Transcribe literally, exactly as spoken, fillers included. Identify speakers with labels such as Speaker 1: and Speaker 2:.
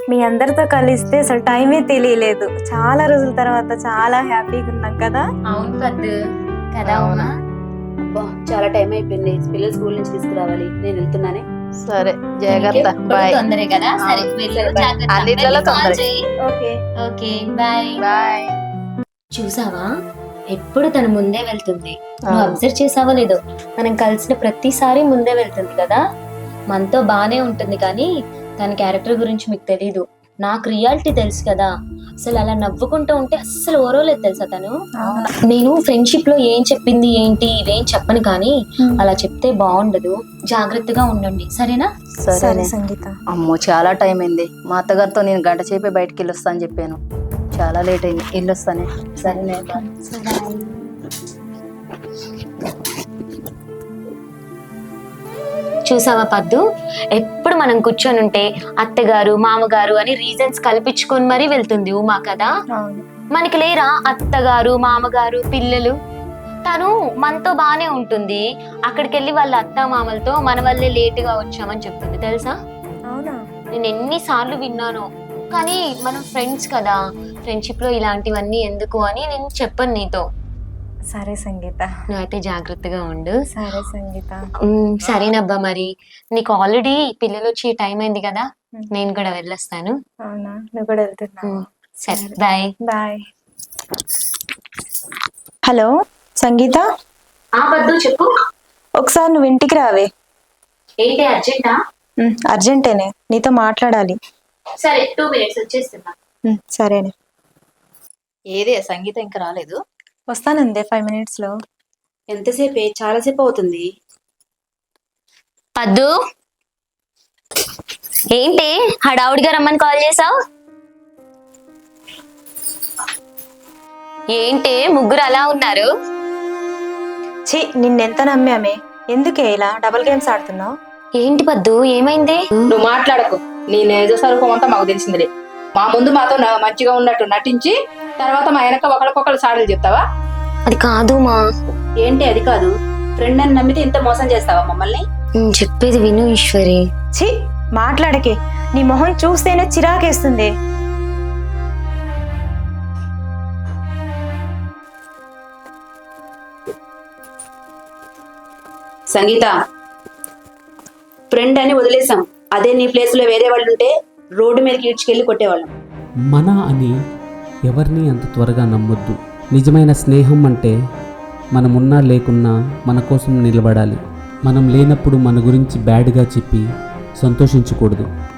Speaker 1: మీ అందరితో కలిస్తే అసలు టైమే తెలియలేదు. చాలా రోజుల తర్వాత చాలా హ్యాపీగా ఉన్నాం కదా.
Speaker 2: అవును పద్దు కదా. అవునా,
Speaker 3: అబ్బా చాలా టైం అయిపోయింది. పిల్లలు స్కూల్ నుంచి తీసుకురావాలి, నేను వెళ్తున్నానే.
Speaker 4: సరే జాగ్రత్త, బాయ్.
Speaker 2: తొందరే కదా. సరే వెళ్ళు, జాగ్రత్త.
Speaker 4: అన్నిట్లలో
Speaker 2: వెళ్ళి కాల్
Speaker 4: తొందరే.
Speaker 2: చేయి.
Speaker 1: Okay
Speaker 2: okay bye.
Speaker 4: బాయ్.
Speaker 2: చూసావా, ఎప్పుడు తను ముందే వెళ్తుంది. నువ్వు
Speaker 4: అవును.
Speaker 2: అబ్జర్వ్ చేసావో లేదో, మనం కలిసిన ప్రతిసారి ముందే వెళ్తుంది కదా. మనతో బానే ఉంటుంది కానీ తన క్యారెక్టర్ గురించి మీకు తెలీదు. నాకు రియాలిటీ తెలుసు కదా. అసలు అలా నవ్వుకుంటూ ఉంటే అస్సలు ఓరోలేదు తెలుసా తను. నేను ఫ్రెండ్షిప్ లో ఏం చెప్పింది ఏంటి ఇవేం చెప్పను కానీ అలా చెప్తే బాగుండదు. జాగ్రత్తగా ఉండండి సరేనా.
Speaker 1: సరే
Speaker 4: సరే
Speaker 1: సంగీత.
Speaker 4: అమ్మో చాలా టైం అయింది. మా అత్తగారితో నేను గంట సేపే బయటికి వెళ్ళొస్తా అని చెప్పాను. చాలా లేట్ అయింది, వెళ్ళొస్తానే. సరేనే.
Speaker 2: చూసావా పద్దు, ఎప్పుడు మనం కూర్చొని ఉంటే అత్తగారు మామగారు అని రీజన్స్ కల్పించుకొని మరీ వెళ్తుంది ఉమా కదా.
Speaker 1: అవును.
Speaker 2: మనకి లేరా అత్తగారు మామగారు పిల్లలు. తను మనతో బానే ఉంటుంది, అక్కడికి వెళ్ళి వాళ్ళ అత్త మామలతో మన వల్లే లేటుగా వచ్చామని చెప్తుంది తెలుసా.
Speaker 1: అవునా.
Speaker 2: నేను ఎన్నిసార్లు విన్నాను కానీ మనం ఫ్రెండ్స్ కదా, ఫ్రెండ్షిప్ లో ఇలాంటివన్నీ ఎందుకు అని నేను చెప్పను నీతో.
Speaker 1: సరే సంగీత.
Speaker 2: నువ్వైతే జాగ్రత్తగా ఉండు.
Speaker 1: సరే సంగీత.
Speaker 2: ఉమ్, సరేనబ్బా. మరి నీకు ఆల్రెడీ పిల్లలు వచ్చి టైం అయింది కదా, నేను కూడా వెళ్ళొస్తాను.
Speaker 1: అవునా, నువ్వు కూడా వెళ్తున్నావు.
Speaker 2: ఉమ్, సరే బాయ్.
Speaker 1: బాయ్. హలో సంగీత,
Speaker 2: ఆ పద్దు చెప్పు.
Speaker 1: ఒకసారి నువ్వు ఇంటికి రావే.
Speaker 2: ఏంటి అర్జెంటా?
Speaker 1: ఉమ్, అర్జెంటేనే, నీతో మాట్లాడాలి.
Speaker 2: సరే టూ మినిట్స్ వచ్చేస్తున్నా.
Speaker 1: ఉమ్, సరేనే.
Speaker 4: ఏదే సంగీత ఇంకా రాలేదు?
Speaker 1: వస్తానందే ఫైవ్ మినిట్స్ లో.
Speaker 3: ఎంతసేపే? చాలాసేపు అవుతుంది.
Speaker 2: పద్దు ఏంటి హడావుడిగా రమ్మని కాల్ చేసావు? ఏంటి ముగ్గురు అలా ఉన్నారు?
Speaker 1: ఛీ, నిన్నెంత నమ్మామే, ఎందుకే ఇలా డబుల్ గేమ్స్ ఆడుతున్నావు?
Speaker 2: ఏంటి పద్దు ఏమైంది?
Speaker 3: నువ్వు మాట్లాడకు, నీ నిజ స్వరూపం అంతా మాకు తెలిసిందిలే. మా ముందు మాతో న- మంచిగా ఉన్నట్టు నటించి తర్వాత మా వెనక ఒకరికొకరు సాడలు చెప్తావా?
Speaker 2: అది కాదు మా.
Speaker 3: ఏంటి అది కాదు? ఫ్రెండ్ అని నమ్మితే ఇంత మోసం చేస్తావా మమ్మల్ని?
Speaker 2: నేను చెప్పేది విను ఈశ్వరి.
Speaker 1: ఛీ, మాట్లాడకే, నీ మొహం చూస్తేనే చిరాకేస్తుంది.
Speaker 3: సంగీత, ఫ్రెండ్ అని వదిలేసాం. అదే నీ ప్లేస్ లో వేరే వాళ్ళు ఉంటే రోడ్డు మీదకి ఈడ్చుకెళ్ళి కొట్టేవాళ్ళం.
Speaker 5: మన అని ఎవరిని అంత త్వరగా నమ్మొద్దు. నిజమైన స్నేహం అంటే మనమున్నా లేకున్నా మన కోసం నిలబడాలి. మనం లేనప్పుడు మన గురించి బ్యాడ్గా చెప్పి సంతోషించకూడదు.